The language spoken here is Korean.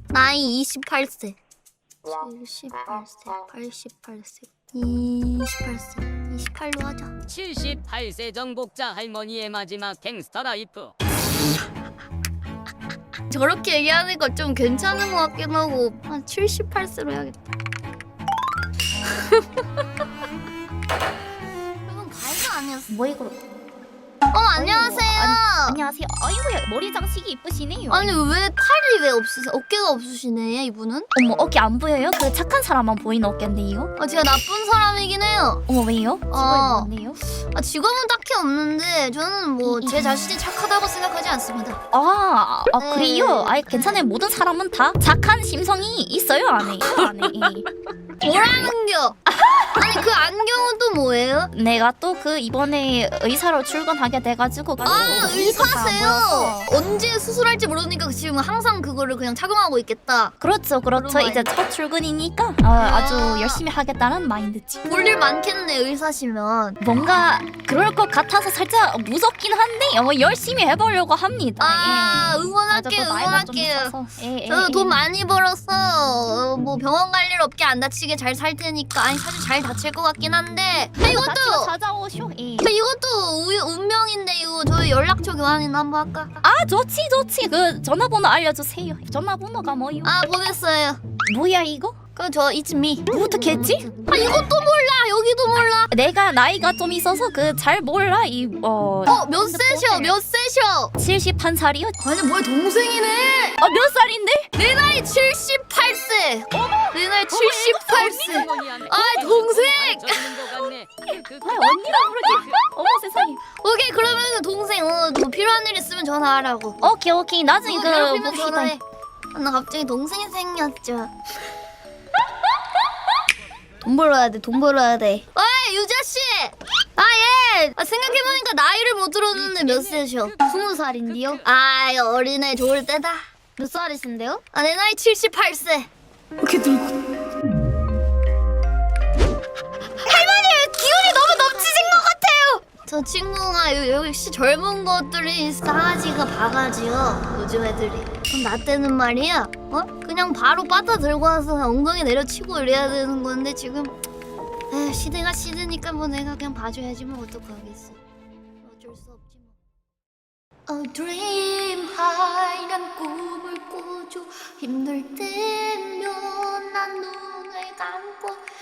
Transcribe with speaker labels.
Speaker 1: 나이 28세. 78세, 88세, 28세, 28로 하자.
Speaker 2: 78세 정복자 할머니의 마지막 갱스터 라이프.
Speaker 1: 저렇게 얘기하는 거 좀 괜찮은 것 같긴 하고 한 78세로 해야겠다. 이건 가이가 아니었어.
Speaker 3: 뭐 이거?
Speaker 1: 안녕하세요.
Speaker 3: 안녕하세요. 아이고야, 머리 장식이 이쁘시네요.
Speaker 1: 아니 왜 팔이 왜 없으세요? 어깨가 없으시네 이분은?
Speaker 3: 어머, 어깨 안 보여요? 그 착한 사람만 보이는 어깨인데요.
Speaker 1: 제가 나쁜 사람이긴 해요.
Speaker 3: 어머, 왜요? 직업이 뭔데요?
Speaker 1: 직업은 딱히 없는데 저는 뭐 제 자신이 착하다고 생각하지 않습니다. 네.
Speaker 3: 그래요? 아이, 괜찮아요. 모든 사람은 다 착한 심성이 있어요, 안에.
Speaker 1: 뭐라는겨? 아니 그 안경은 또 뭐예요?
Speaker 3: 내가 또 그 이번에 의사로 출근하게 돼가지고.
Speaker 1: 의사세요? 언제 수술할지 모르니까 지금 항상 그거를 그냥 착용하고 있겠다.
Speaker 3: 그렇죠.
Speaker 1: 그런
Speaker 3: 이제
Speaker 1: 마인드.
Speaker 3: 첫 출근이니까 아주 열심히 하겠다는 마인드지.
Speaker 1: 볼일 많겠네 의사시면.
Speaker 3: 뭔가 그럴 것 같아서 살짝 무섭긴 한데 열심히 해보려고 합니다.
Speaker 1: 응원할게요. 응원할게요.
Speaker 3: 예.
Speaker 1: 저도 돈 많이 벌어서 뭐 병원 갈 일 없게 안 다치게 잘 살 테니까. 아니 사실 잘 다칠 것 같긴 한데 이것도
Speaker 3: 찾아오쇼. 예.
Speaker 1: 이것도 운명인데 이거 저희 연락처 교환이나 한번 할까?
Speaker 3: 좋지. 그 전화번호 알려주세요. 전화번호가 뭐요?
Speaker 1: 보냈어요.
Speaker 3: 뭐야 이거?
Speaker 1: 저 it's me.
Speaker 3: 어떻게 했지?
Speaker 1: 이것도 몰라. 여기도 몰라.
Speaker 3: 내가 나이가 좀 있어서 그 잘 몰라.
Speaker 1: 몇 세셔? 몇 세셔?
Speaker 3: 71살이요?
Speaker 1: 아니 뭐야 동생이네.
Speaker 3: 몇 살인데?
Speaker 1: 내 나이 78세. 내 나이 78세. 동생.
Speaker 3: 언니가 그렇게. 어머 세상에.
Speaker 1: 오케이 그러면 동생 뭐 필요한 일 있으면 전화하라고.
Speaker 3: 오케이. 나중에
Speaker 1: 괴롭히면
Speaker 3: 봅시다.
Speaker 1: 전화해. 나 갑자기 동생이 생겼죠. 돈 벌어야 돼. 어이 유자씨. 예. 생각해보니까 나이를 못 들었는데 몇 세셔? 20살인데요? 어린애 좋을 때다. 몇 살이신데요? 내 나이 78세. 이렇게 늙고. 할머니 기운이 너무 넘치신 것 같아요. 저 친구가 역시 젊은 것들이 싸가지가 바가지요. 요즘 애들이. 그럼 나 때는 말이야. 그냥 바로 빠따 들고 와서 엉덩이 내려치고 이래야 되는 건데 지금 시대가 시대니까 뭐 내가 그냥 봐줘야지 뭐 어떡하겠어. 어쩔 수 없지 뭐. Dream high 난 꿈을 꿔줘. 힘들 때면 난 눈을 감고